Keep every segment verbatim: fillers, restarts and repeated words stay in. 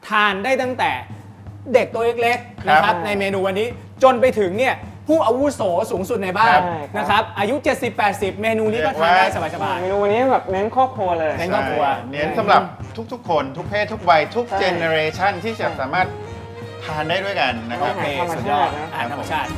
ทานได้ตั้งแต่เด็กตัวเล็กๆนะครับในเมนูวันนี้จนไปถึงเนี่ยผู้อาวุโสสูงสุดในบ้านนะครับอายุ เจ็ดสิบแปดสิบ เมนูนี้ก็ทานได้สบายๆเมนูวันนี้แบบเน้นครอบครัวเลยเน้นครอบครัวเน้นสำหรับทุกๆคนทุกเพศทุกวัยทุกเจเนอเรชันที่จะสามารถทานได้ด้วยกันนะครับโอเคสุดยอดอาหารธรรมชาติ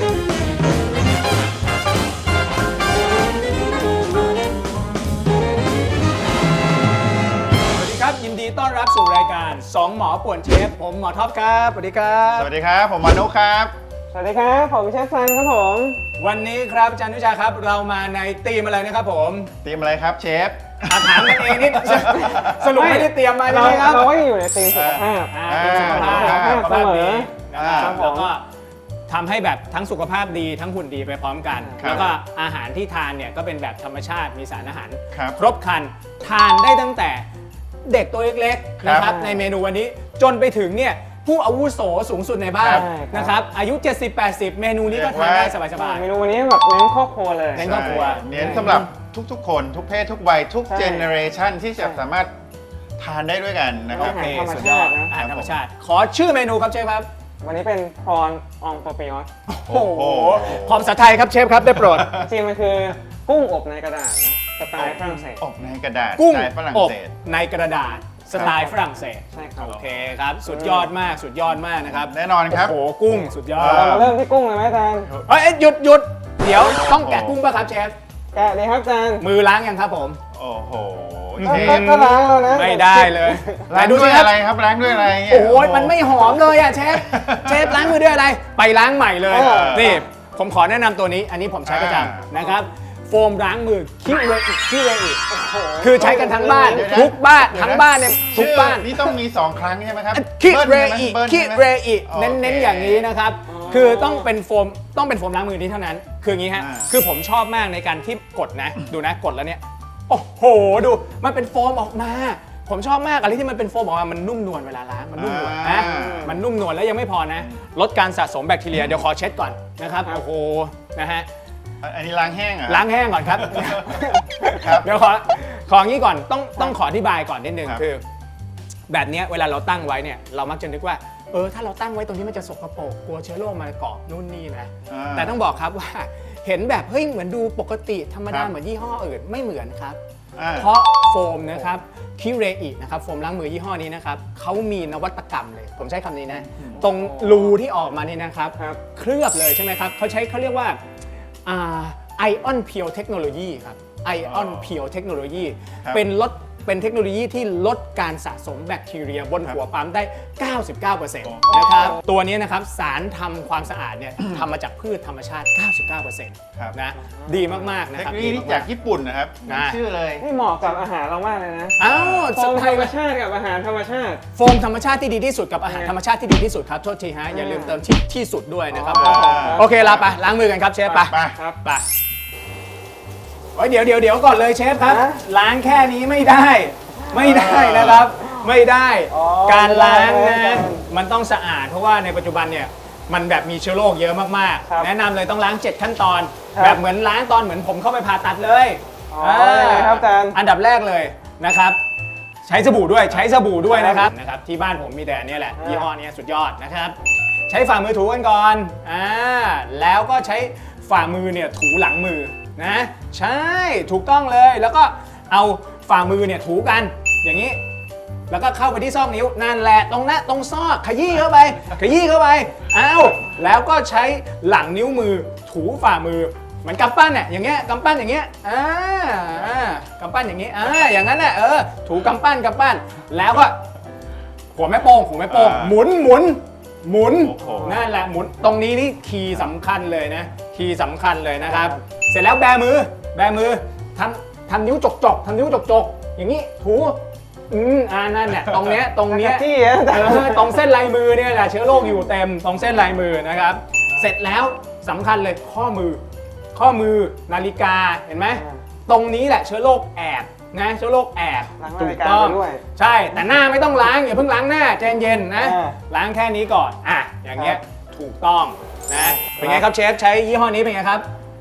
ครับยินดีต้อนรับสู่รายการสองหมอป่วนเชฟผมหมอท็อปครับสวัสดีครับสวัสดีครับผมมานุครับสวัสดีครับผมเชฟซันครับผมวันนี้ครับอาจารย์นุชาครับเรามาในธีมอะไรนะครับผมธีมอะไรครับเชฟถามกันเองนิดสรุปไม่ได้เตรียมมาใช่ไหมครับเราก็อยู่ในธีมสุขภาพสุขภาพเสมอนะครับแล้วก็ทำให้แบบทั้งสุขภาพดีทั้งหุ่นดีไปพร้อมกันแล้วก็อาหารที่ทานเนี่ยก็เป็นแบบธรรมชาติมีสารอาหารครบครันทานได้ตั้งแต่เด็กตัวเล็กๆนะครับในเมนูวันนี้จนไปถึงเนี่ยผู้อาวุโสสูงสุดในบ้านนะครับอายุ เจ็ดสิบแปดสิบ เมนูนี้ก็ทานได้สบายๆเมนูวันนี้แบบเน้นครอบครัวเลยเน้นครอบครัวเน้นสำหรับทุกๆคนทุกเพศทุกวัยทุกเจเนอเรชันที่จะสามารถทานได้ด้วยกันนะครับโอเคสุดยอดอาหารธรรมชาติขอชื่อเมนูครับเชฟครับวันนี้เป็นพรอนองปอปิออสโอ้โหพร้อมภาษาไทยครับเชฟครับได้โปรดจริงมันคือกุ้งอบในกระดาษนะสไตล์ฝรั่งเศสอบในกระดาษกุ้งฝรั่งอบเศสในกระดาษสไตล์ฝรั่งเศสใช่ครับโอเคครับสุดยอดมากสุดยอดมากนะครับแน่นอนครับโอ้โหกุ้งสุดยอดเราเริ่มที่กุ้งเลยไหมอาจารย์เอ้ยหยุดหยุดเดี๋ยวต้องแกะกุ้งป่ะครับเชฟแกะเลยครับอาจารย์มือล้างยังครับผมโอ้โหก็ล้างแล้วนะไม่ได้เลยล้างด้วยอะไรครับล้างด้วยอะไรโอ้ยมันไม่หอมเลยอ่ะเชฟเชฟล้างมือด้วยอะไรไปล้างใหม่เลยนี่ผมขอแนะนำตัวนี้อันนี้ผมใช้ประจำนะครับโฟมล้างมือคิเรอิคิเรอิคือใช้กันทั้งบ้านทุกบ้านทั้งบ้านเนี่ยทุกบ้านนี่ต้องมีสองครั้งใช่ไหมครับคิเรอิคิเรอิเน้นๆอย่างนี้นะครับคือต้องเป็นโฟมต้องเป็นโฟมล้างมือนี้เท่านั้นคืออย่างนี้ฮะคือผมชอบมากในการที่กดนะดูนะกดแล้วเนี่ยโอ้โหดูมันเป็นโฟมออกมาผมชอบมากอะไรที่มันเป็นโฟมออกมามันนุ่มนวลเวลาล้างมันนุ่มนวลนะมันนุ่มนวลแล้วยังไม่พอนะลดการสะสมแบคทีเรียเดี๋ยวขอเช็ดก่อนนะครับโอ้โหนะฮะอันนี้ล้างแห้งอ่ะล้างแห้งก่อนครับเดี๋ยวขอของี้ก่อนต้องต้องขออธิบายก่อนนิดนึงคือแบบนี้เวลาเราตั้งไว้เนี่ยเรามักจะนึกว่าเออถ้าเราตั้งไว้ตรงนี้มันจะสกปรกกลัวเชื้อโรคมาเกาะนู่นนี่นะแต่ต้องบอกครับว่าเห็นแบบเฮ้ยเหมือนดูปกติธรรมดาเหมือนยี่ห้ออื่นไม่เหมือนครับเพราะโฟมนะครับคิเรอินะครับโฟมล้างมือยี่ห้อนี้นะครับเขามีนวัตกรรมเลยผมใช้คำนี้นะตรงรูที่ออกมานี่นะครับเคลือบเลยใช่ไหมครับเขาใช้เขาเรียกว่าไอออนเพียวเทคโนโลยีครับไอออนเพียวเทคโนโลยีเป็นลดเป็นเทคโนโลยีที่ลดการสะสมแบคทีเรียบนหัวปั๊มได้ เก้าสิบเก้าเปอร์เซ็นต์ นะครับตัวนี้นะครับสารทำความสะอาดเนี่ยทำมาจากพืชธรรมชาติ เก้าสิบเก้าเปอร์เซ็นต์ นะดีมากๆนะครับเทคโนโลยีที่จากญี่ปุ่นนะครับชื่อเลยนี่เหมาะกับอาหารเรามากเลยนะอ้าวโฟมธรรมชาติกับอาหารธรรมชาติโฟมธรรมชาติที่ดีที่สุดกับอาหารธรรมชาติที่ดีที่สุดครับโทษทีฮะอย่าลืมเติมที่สุดด้วยนะครับโอเคลาไปล้างมือกันครับเชฟไปครับไปเดี๋ยวเดี๋ยวเดี๋ยวก่อนเลยเชฟครับล้างแค่นี้ไม่ได้ไม่ได้นะครับไม่ได้การล้างนะมันต้องสะอาดเพราะว่าในปัจจุบันเนี่ยมันแบบมีเชื้อโรคเยอะมากๆแนะนำเลยต้องล้างเจ็ดขั้นตอนแบบเหมือนล้างตอนเหมือนผมเข้าไปผ่าตัดเลยครับอาจารย์อันดับแรกเลยนะครับใช้สบู่ด้วยใช้สบู่ด้วยนะครับนะครับที่บ้านผมมีแต่อันนี้แหละยี่ห้อนี้สุดยอดนะครับใช้ฝ่ามือถูกันก่อนอ่าแล้วก็ใช้ฝ่ามือเนี่ยถูหลังมือนะใช่ถูกต้องเลยแล้วก็เอาฝ่ามือเนี่ยถูกันอย่างนี้แล้วก็เข้าไปที่ซอกนิ้วนั่นแหละตรงนั้นตรงซอกขยี้เข้าไปขยี้เข้าไปอ้าวแล้วก็ใช้หลังนิ้วมือถูฝ่ามือเหมือนกำปั้นเนี่ยอย่างเงี้ยกำปั้นอย่างเงี้ยอ่ากำปั้นอย่างงี้อ่าอย่างนั้นแหละเออถูกำปั้นกำปั้นแล้วก็หัวแม่โป้งหัวแม่โป้งหมุนหมุนหมุนนั่นแหละหมุนตรงนี้นี่คีย์สำคัญเลยนะคีย์สำคัญเลยนะครับเสร็จแล้วแบมือแบมือทำทำนิ้วจกจกทำนิ้วจกจกอย่างนี้ถูอืมอ่านั่นเนี่ยตรงเนี้ยตรงเนี้ยที่ตรงเส้นลายมือเนี่ยแหละเชื้อโรคอยู่เต็มตรงเส้นลายมือนะครับเสร็จแล้วสำคัญเลยข้อมือข้อมือนาฬิกาเห็นไหมตรงนี้แหละเชื้อโรคแอบนะเชื้อโรคแอบถูกต้องใช่แต่หน้าไม่ต้องล้างอย่าเพิ่งล้างหน้าใจเย็นนะล้างแค่นี้ก่อนอ่ะอย่างเงี้ยถูกต้องนะเป็นไงครับเชฟใช้ยี่ห้อนี้เป็นไงครับ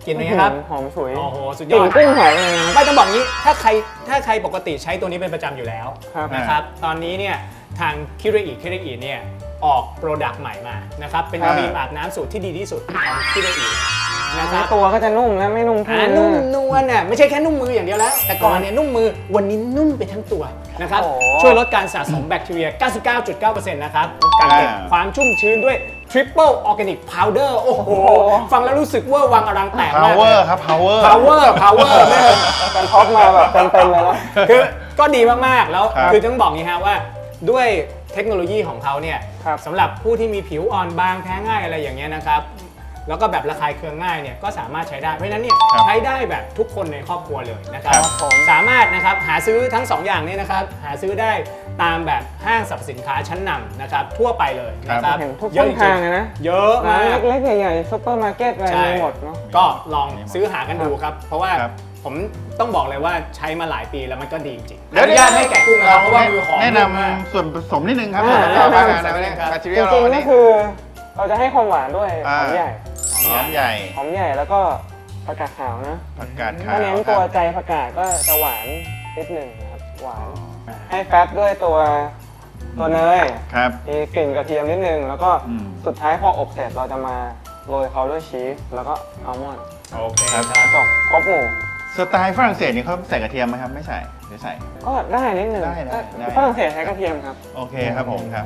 กลิ่นเป็นไงครับหอมฉุยโอ้โหสุดกยลิ่อน ดกุ้งหอยเลยนะครับไม่ต้องบอกงี้ถ้าใครถ้าใครปกติใช้ตัวนี้เป็นประจำอยู่แล้วครับนะครับตอนนี้เนี่ยทางคิเรอิคิเรอิเนี่ยออกโปรดักต์ใหม่มานะครับเป็นอ่าครีมอาบน้ำสูตรที่ดีที่สุดของคิเรอินะครับตัวก็จะนุ่มนะไม่นุ่มแค่อ่านุ่มนวลน่ะไม่ใช่แค่นุ่มมืออย่างเดียวแล้ว แต่ก่อนเนี่ยนุ่มมือวันนี้นุ่มไปทั้งตัวนะครับโอ้โหช่วยลดการสะสมแบคทีเรีย เก้าสิบเก้าจุดเก้าเปอร์เซ็นต์ นะครับการเก็บอ่าความชุ่มชื้นด้วย Triple Organic Powder โอ้โห ฟังแล้วรู้สึกเว่าวังอลังแตกมาก power ครับ power power power แม่งการท็อปมาแบบเต็มๆเลยนะคือก็ดีมาก ๆ แล้วครับคือต้องบอกงี้ฮะว่าด้วยเทคโนโลยีของเขาเนี่ยครับสำหรับผู้ที่มีผิวอ่อนบางแพ้ง่ายอะไรอย่างเงี้ยนะครับแล้วก็แบบระคายเคืองง่ายเนี่ยก็สามารถใช้ได้เพราะฉะนั้นเนี่ยครับใช้ได้แบบทุกคนในครอบครัวเลยนะครับครับผมสามารถนะครับหาซื้อทั้งสองอย่างนี้นะครับหาซื้อได้ตามแบบห้างสรรพสินค้าชั้นนำนะครับทั่วไปเลยนะครับเห็นทุกเยอะช่องทางเลยนะเยอะร้ามาน กเล็กๆใหญ่ๆซุปเปอร์มาร์เก็ตอะไรใช่มีหมดเนาะก็ลองซื้อหากันดูครับ เพราะว่าครับผมต้องบอกเลยว่าใช้มาหลายปีแล้วมันก็ดีจริงๆเดี๋ยวอนุญาตให้แกะกุ้งนะครับเพราะว่ามือหอมแนะนมากำส่วนผสมนิดนึงครับอ่าส่วนประกอบแนะนำอาหารนะครับมาทีจเรียลริงๆเราก็เนี่ยคือเราจะให้ความหวานด้วยหอ่าอมใหญ่หอมใหญ่หอมใหญ่แล้วก็ผักกาดขาวนะผักกาดขาถ้าว เน้นคตัวรับใจผักกาดก็จะหวานนิดหนึ่งนะครับหวานให้แฟตด้วยตัวตัวเนยครับมีกลิ่นกระเทียมนิดนึงแล้วก็อืมสุดท้ายพออบเสร็จเราจะมาโรยเขาด้วยชีสแล้วก็อัลมอนด์โอเคครับครับจบครบหมู่สไตล์ฝรั่งเศสนี่เขาใส่กระเทียมไหมครับ ไม่ใส่หรือใส่ก็ได้นิดหนึ่งได้ได้ได้ฝรั่งเศสใช้กระเทียมครับโอเคครับผมครับ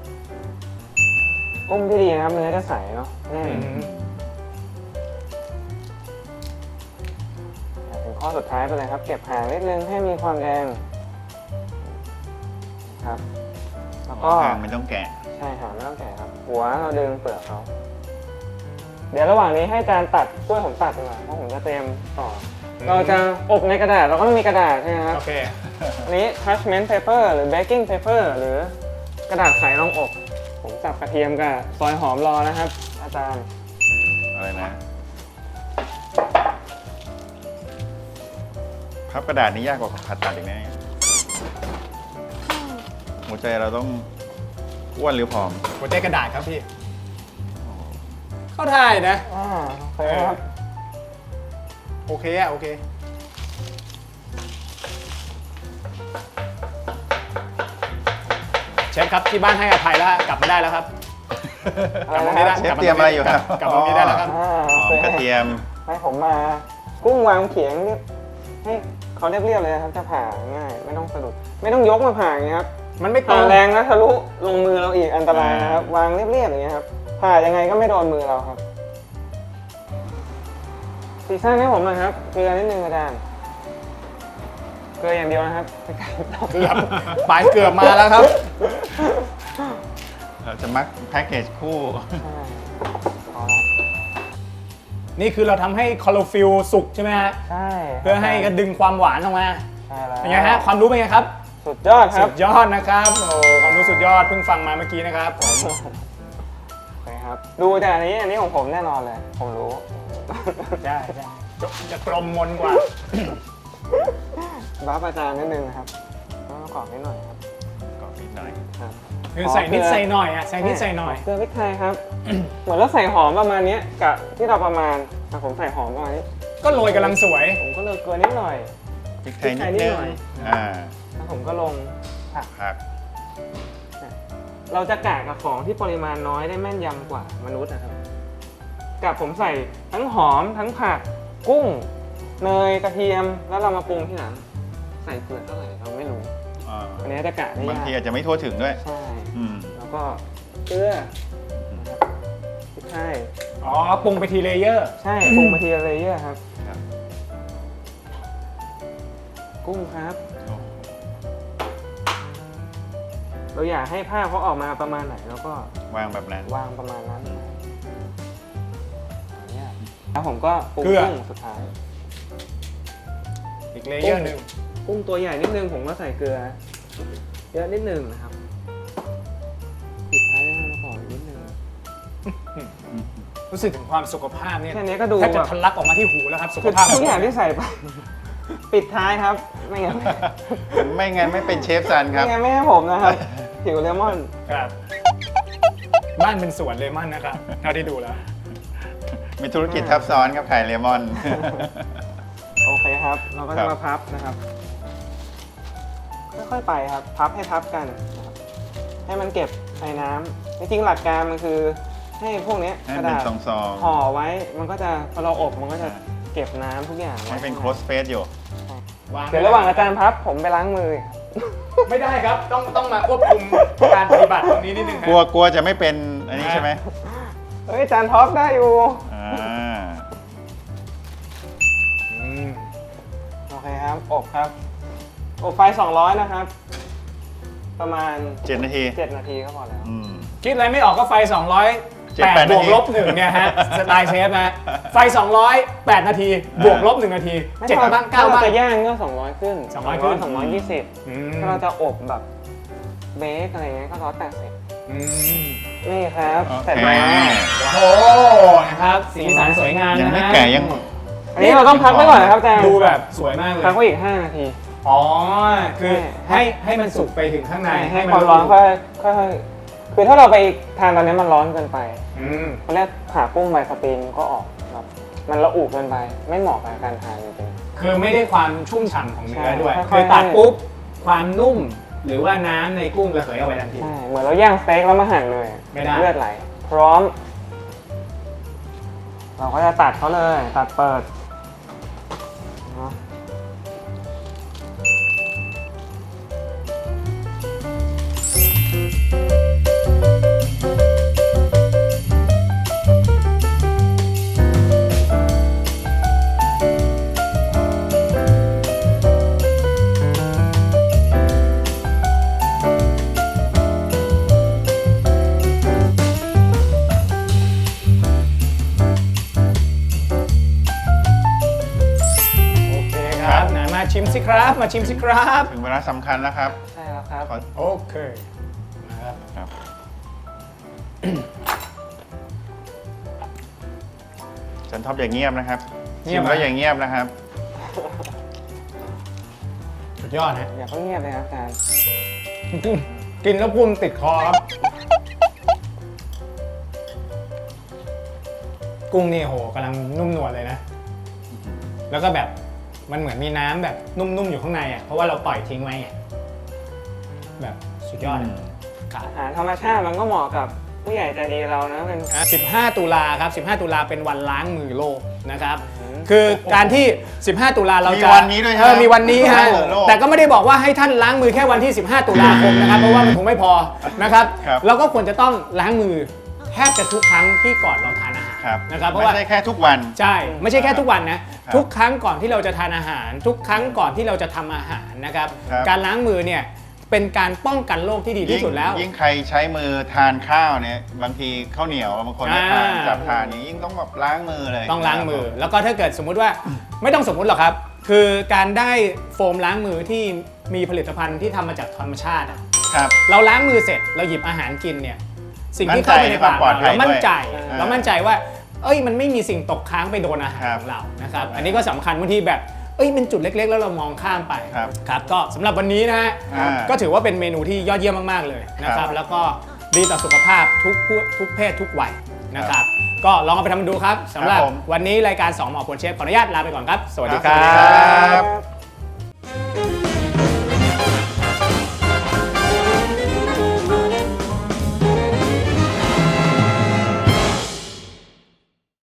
กุ้งที่ดีนะครับเนื้อจะใสเนาะแน่นอืมถึงข้อสุดท้ายไปเลยครับ เก็บหางนิดนึงให้มีความแดงครับ แล้วก็หางไม่ต้องแกะใช่หางไม่ต้องแกะครับ หัวเราดึงเปลือกเขาเดี๋ยวระหว่างนี้ให้อาจารย์ตัดช่วยผมตัดดีกว่าเพราะผมจะเตรียมต่ออเราจะอบในกระดาษเราก็ต้องมีกระดาษใช่ไหมครับโอเคอันนี้ parchment paper หรือ baking paper หรือกระดาษใสรองอบ ผมจับกระเทียมกับซอยหอมรอนะครับ อาจารย์อะไรนะพับกระดาษนี่ยากกว่าผ่าตัดอีกนะเนี่ยหัวใจเราต้องอ้วนหรือผอมหัวใจกระดาษครับพี่ เข้าท่ายนะอ่าโอเคครับโอเคอะโอเค เชฟครับที่บ้านให้อภัยแล้วฮะกลับมาได้แล้วครับกลับมาตรงนี้ได้เชฟเตรียมอะไรอยู่ครับกลับมาตรงนี้ได้แล้วครับอ่าหโออเคมกระเทียมให้ผมมา กุ้งวางเขียงเรียบให้เขาเรียบๆเลยนะครับ จะผ่าง่าย ไม่ต้องสะดุด ไม่ต้องยกมาผ่าอย่างเงี้ยครับมันไม่ตรผ่าง แรงนะทะลุลงมือเราอีกอันตรายนะครับ วางเรียบๆอย่างเงี้ยครับผ่ายังไงก็ไม่โดนมือเราครับซีซั่นให้ผมหน่อยครับเกลือนิดนึงอาจารย์เกลืออย่างเดียวนะครับไม่ไกลต่อเกือบปลายเกือบมาแล้วครับเราจะมักแพ็กเกจคู่ใช่พอละนี่คือเราทำให้คลอโรฟิลสุกใช่ไหมฮะใช่เพื่อให้กระดึงความหวานออกมาใช่แล้วเป็นไงฮะ ความรู้เป็นไงครับสุดยอดครัสุบดยอดนะครับ โอ้ความรู้สุดยอด เพิ่งฟังมาเมื่อกี้นะครับผมโอเคครับ ดูจากอันนี้อันนี้ของผมแน่นอนเลย ผมรู้ใช่ใช่จะจะกลมมนกว่าบัฟอาจารย์นิดนึงนะครับต้องประกอบนิดหน่อยครับกรอบนิดหน่อยครับคือใส่นิดใส่หน่อยอ่ะ ใส่นิดใส่หน่อยเกลือพริกไทยครับ เหมือนเราใส่หอมประมาณเนี้ยกับที่เราประมาณอ่ะผมใส่หอมประมาณนี้ก็โรยกำลังสวยผมก็เลยเกลือนิดหน่อยพริกไทยนิดนึงพริกไทยนิดหน่อยอ่าแล้วผมก็ลงผักผักเราจะกะกับของที่ปริมาณน้อยได้แม่นยำกว่ามนุษย์นะครับ กับผมใส่ทั้งหอมทั้งผักกุ้ง เนยกระเทียมแล้วเรามาปรุงที่หลังใส่เกลือเท่าไหร่เราไม่รู้อ่าอันนี้จะกะได้บางยากทีอาจจะไม่ทั่วถึงด้วยใช่อืมแล้วก็เกลือนะครับพริกไทยอ๋อ ปรุงไปทีเลเยอร์ใช่ปรุงมาทีละเลเยอร์ครับครับกุ้งครับโอ้เราอยากให้ภาพเขาออกมาประมาณไหนแล้วก็วางแบบนั้นวางประมาณนั้นอันเนี้ยแล้วผมก็ปรุงเกลือกุ้งสุดท้ายอีกเลเยอร์หนึ่งกุ้งตัวใหญ่นิดนึงผมก็ใส่เกลือเยอะนิดนึงนะครับปิดท้ายด้วยน้ำมะกอกอีกนิดนึงรู้สึกถึงความสุขภาพเนี่ยแค่นี้ก็ดูแทบจะแบบทะลักออกมาที่หูแล้วครับ สุขคือภาพทุกอย่างที่ใส่ไป ปิดท้ายครับ ไม่งั้นไม่งั้นไม่เป็นเชฟซันคไม่รับงั้นไม่ให้ผมนะครับผิวเลมอนครับ บ้านเป็นสวนเลมอนนะครับเท่าที่ดูแล้วไมีธุรกิจทับซ้อนครับไข่เลมอนโอเคครับ เราก็ครัจะบมาพับนะครับ ค่อยๆไปครับ พับให้ทับกันนะครับให้มันเก็บในน้ำจริงๆหลักการมันคือให้พวกเนี้ยให้กระเป็นดาษซองห่อไว้ มันก็จะพอเราอบมันก็จะอ่าเก็บน้ำทุกอย่างๆไว้ให้เป็นข้างโคในสเปซอยู่วางเดี๋ยวระหว่างอาจารย์พับผมไปล้างมือไม่ได้ครับ ต้องต้องมาควบคุมการปฏิบัติตรงนี้นิดนึงคกลัวรับกลัวจะไม่เป็นอันนี้ใช่ไหมเฮ้ยอาจารย์ท็อปได้อยู่อ่าอืมโอเคครับ อบครับ อบไฟสองร้อยนะครับ ประมาณเจ็ดนาทีเจ็ดนาทีก็พอแล้วอืมคิดอะไรไม่ออกก็ไฟ สองร้อยเจ็ดแปแปดดบวกนาทีลบหนึ่งเนี่ยฮะ สไตล์เชฟนะไฟ สองร้อยแปด นาที บวกลบหนึ่งนาทีไม่เจ็ดถ้บ้างถ้เก้าเราบ้างจะย่างก็สองร้อยขึ้นสองร้อยขึ้นสองร้อยยี่สิบอืมถ้าเราจะอบแบบเบคอะไรเงี้ยก็ร้อยแปดสิบอืมนี่ครับโอเคเสร็จแล้วโอ้นะครับสีสันสวยงามยังนะไม่ฮะแก่ยังอันนี้เราต้องพักไว้ก่อนนะครับอาจารย์ดูแบบสวยมากเลยพักไว้อีกห้านาทีอ๋อ คือให้ให้ให้มันสุกไปถึงข้างในให้ความร้อนค่อยค่อยๆคือถ้าเราไปทานตอนนี้มันร้อนเกินไปอืมตอนแรกผ่ากุ้งใบสปริงก็ออกแบบมันระอุเกินไป ไม่เหมาะกับการทานจริงคือไม่ได้ความชุ่มฉ่ำของเนื้อด้วยใช่คือค่อยๆตัดปุ๊บ ความนุ่ม หรือว่าน้ำในกุ้งระเหยออกไปทันทีๆใช่เหมือนเราย่างสเต็กแล้วมาหั่นเลยไม่ได้เลือดไหล พร้อม เราก็จะตัดเขาเลย ตัดเปิดเนาะโอเคครับไหนมาชิมสิครับ มาชิมสิครับถึงเวลาสำคัญแล้วครับใช่แล้วครับขอโอเคนะครับครับ จันท็อปอย่างเงียบนะครับเงีชิยบมไหมก็อย่างเงียบนะครับสุดยอดนะอย่าเพิ่งเงียบเลยครับอาจารย์กินแล้วพูมติดคอครับ กุ้งนี่โหกำลังนุ่มนวลเลยนะ แล้วก็แบบมันเหมือนมีน้ำแบบนุ่มๆอยู่ข้างในอ่ะ เพราะว่าเราปล่อยทิ้งไว้ไงแบบสุดยอดอะครับอาหารธรรมชาติมันก็เหมาะกับผู้ใหญ่ใจดีเรานะเป็นสิบห้าตุลาครับ สิบห้าตุลาเป็นวันล้างมือโลกนะครับอืมคือการที่ สิบห้าตุลาเราจะมีวันนี้ด้วยใช่ไหมเออมีวันนี้ฮะล้างมือโลกแต่ก็ไม่ได้บอกว่าให้ท่านล้างมือแค่วันที่ สิบห้า ตุลาคมนะครับ เพราะว่ามันคงไม่พอนะครับครับเราก็ควรจะต้องล้างมือแทบจะทุกครั้งที่ก่อนเราทานอาหารครับนะครับ เพราะไม่ว่าใช่แค่ทุกวันใช่ ไม่ใช่แค่ทุกวันนะครับทุกครั้งก่อนที่เราจะทานอาหาร ทุกครั้งก่อนที่เราจะทำอาหารนะครับครับการล้างมือเนี่ยเป็นการป้องกันโรคที่ดีที่สุดแล้วยิ่งใครใช้มือทานข้าวเนี่ยบางทีข้าวเหนียวบางคนไม่ทานอ่าจับทานนี้ยิ่งต้องแบบล้างมือเลยต้องล้างมือ แล้วก็ถ้าเกิดสมมุติว่า ไม่ต้องสมมุติหรอกครับ คือการได้โฟมล้างมือที่มีผลิตภัณฑ์ที่ทำมาจากธรรมชาติอะครับเราล้างมือเสร็จเราหยิบอาหารกินเนี่ยสิ่งที่มั่นใจเข้าไปในปากในความปลอดภัเรายเรามั่นใจด้วยเรามั่นใจว่า เอ้ยมันไม่มีสิ่งตกค้างไปโดนอาหารครับของเรานะครับครับอันนี้ก็สำคัญบางทีแบบเอ้ยเป็นจุดเล็ก ๆ แล้วเรามองข้ามไปครับครับก็สำหรับวันนี้นะฮะอ่าก็ถือว่าเป็นเมนูที่ยอดเยี่ยมมากๆเลยนะคครัรับบแล้วก็ดีต่อสุขภาพทุกผู้ทุกเพศทุกวัยนะครับ ก็ลองเอาไปทำดูครับสำหรับครับผมวันนี้รายการสองหมอควรเชฟขออนุญาตลาไปก่อนครับ สวัสดีคครัรับสวัสดีครับ